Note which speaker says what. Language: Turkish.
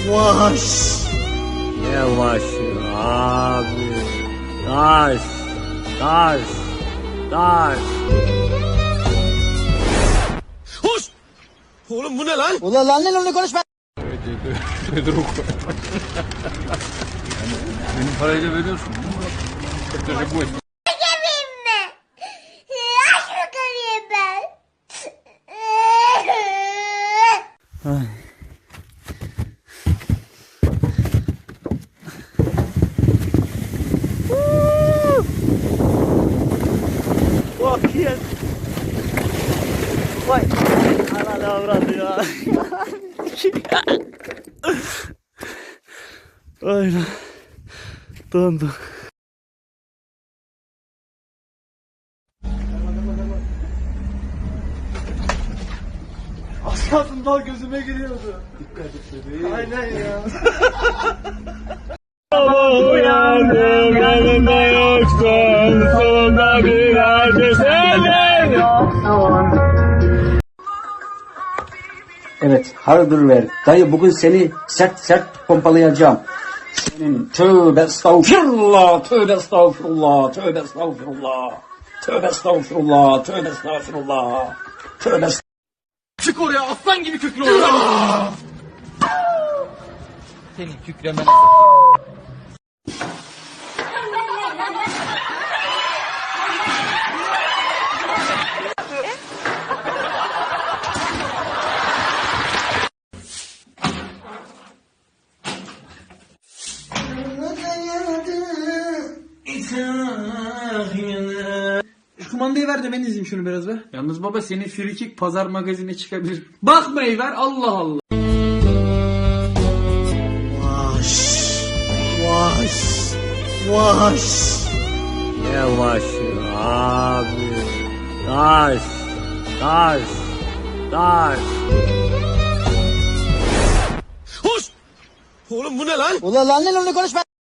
Speaker 1: Yavaş. Yavaş abi. Taş. Taş. Taş.
Speaker 2: Hoş! Oğlum bu ne lan?
Speaker 1: Ulan lan ne konuşma.
Speaker 3: Benim parayla veriyorsun. Çocuk bu.
Speaker 1: Bak yes. Vay. Ananı avradı ya. Aynen. Dondu.
Speaker 2: Az kalsın dal gözüme giriyordu. Dikkat et. Aynen ya.
Speaker 1: Uyandım yanımda yoksun. Sonunda bir acı senden yoksun.
Speaker 4: Evet, hardır ver. Dayı bugün seni sert sert pompalayacağım. Senin tövbe estağfirullah, tövbe estağfirullah, tövbe estağfirullah, tövbe estağfirullah, tövbe estağfirullah, tövbe
Speaker 2: Çık oraya aslan gibi kükre oraya.
Speaker 3: Senin kükremene
Speaker 2: Şu kumandayı ver de ben izleyeyim şunu biraz be.
Speaker 3: Yalnız baba senin frikik pazar magazine çıkabilir. Bakmayı ver Allah Allah.
Speaker 1: Yavaş. Yavaş. Yavaş. Yavaş abi. Taş. Taş. Taş.
Speaker 2: Hoş! Oğlum bu ne lan?
Speaker 1: Ulan lan ne konuşma.